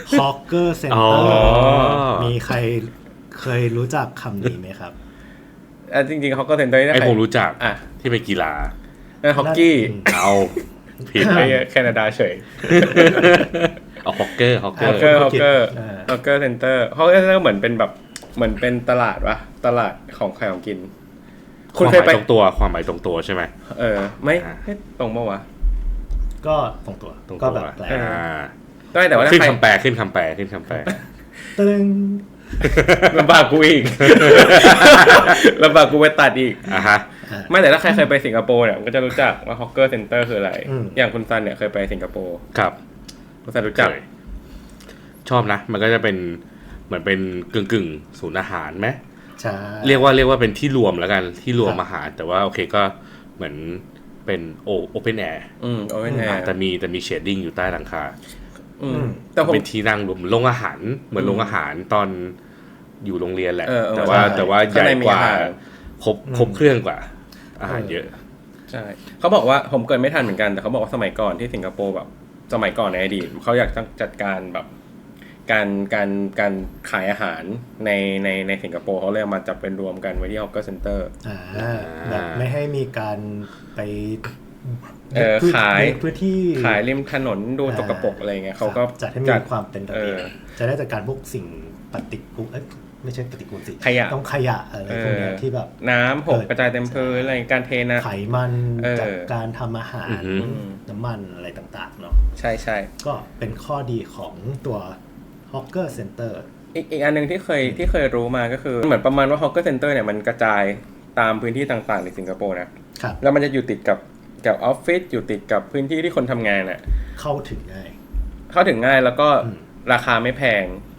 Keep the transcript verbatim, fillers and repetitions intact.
Hawker อ๋อ Center มีใครเคยรู้จักคำนี้ไหมครับอ่ะจริงๆเขาก็เซ็นเตอร์ไอผมรู้จักอ่ะที่เป็นกีฬานั่นฮอกกี้เอาผิดไอ้แคนาดาเฉยเอาฮอกเกอร์ฮอกเกอฮอกร์เกอร์ฮอกเกอร์อ่าฮอกเกอร์เซ็นเตอร์ฮอกเกอร์เซ็นเตอร์เหมือนเป็นแบบเหมือนเป็นตลาดวะตลาดของขายของกินคคุณวามหเคยมายไปตรงตัวความหมายตรงตัวใช่ไหมเออไม่อ่าไม่ตรงปะวะก็ตรงตัวตรงก็ตัวแบบแปลเออ่าได้แต่ว่าถ้าขึ้นใครคำแปลขึ้นคำแปลขึ้นคำแปลตึงลำบากกูอีก ลำบากกูไปตัดอีกอ่ะฮะไม่แต่ถ้าใครเคยไปสิงคโปร์เนี่ยมันก็จะรู้จักว่าฮอกเกอร์เซ็นเตอร์คืออะไรอืมอย่างคุณซันเนี่ยเคยไปสิงคโปร์ครับคุณซันรู้จักเคยชอบนะ มันก็จะเป็นเหมือนเป็นกึ่งกึ่งๆศูนย์อาหารไหมใช่เรียกว่าเรียกว่าเป็นที่รวมแล้วกันที่รวมครับอาหาร แต่ว่าโอเคก็เหมือนเป็นโอโอเพนแอร์อืมโอเวนแอร์แต่มีแต่มีเชดดิ้งอยู่ใต้หลังคาอืมแต่ผมเป็นที่นั่งรวมโรงอาหารเหมือนโรงอาหารตอนอยู่โรงเรียนแหละเออเออแต่ว่าใช่แต่ว่าใหข้างญ่ในมีกว่าอาหารครบครบเครื่องกว่า อาหารเยอะใช่เขาบอกว่าผมเกิดไม่ทันเหมือนกันแต่เขาบอกว่าสมัยก่อนที่สิงคโปร์แบบสมัยก่อนในอดีตเขาอยากจัดการแบบการการการขายอาหารในในในสิงคโปร์เขาเลยเอามาจับเป็นรวมกันไว้ที่ฮอกเกอร์เซ็นเตอร์อ่าแบบไม่ให้มีการไปเออพื้นขายพื้นที่ขายริมถนนดูสกปรกอะไรเงี้ยเขาก็จัดให้มีความเป็นระเบียบเออจะได้จัดการพวกสิ่งปฏิกูลเอ้ยไม่ใช่ปฏิกูลสิขยะต้องขยะอะไรพวกเนี้ยที่แบบน้ำหกเออกระจายเต็มพื้นอะไรการเทนะไขมันเออจากการทำอาหารอือหือน้ำมันอะไรต่างๆเนาะใช่ใช่ก็เป็นข้อดีของตัว Hawker Center อีกอีกอันหนึ่งที่เคยที่เคยรู้มาก็คือเหมือนประมาณว่าฮอกเกอร์เซ็นเตอร์เนี่ยมันกระจายตามพื้นที่ต่างๆในสิงคโปร์นะครับ แล้วมันจะอยู่ติดกับกับออฟฟิศอยู่ติดกับพื้นที่ที่คนทำงานอ่ะเข้าถึงง่ายเข้าถึงง่ายแล้วก็อืมราคาไม่แพง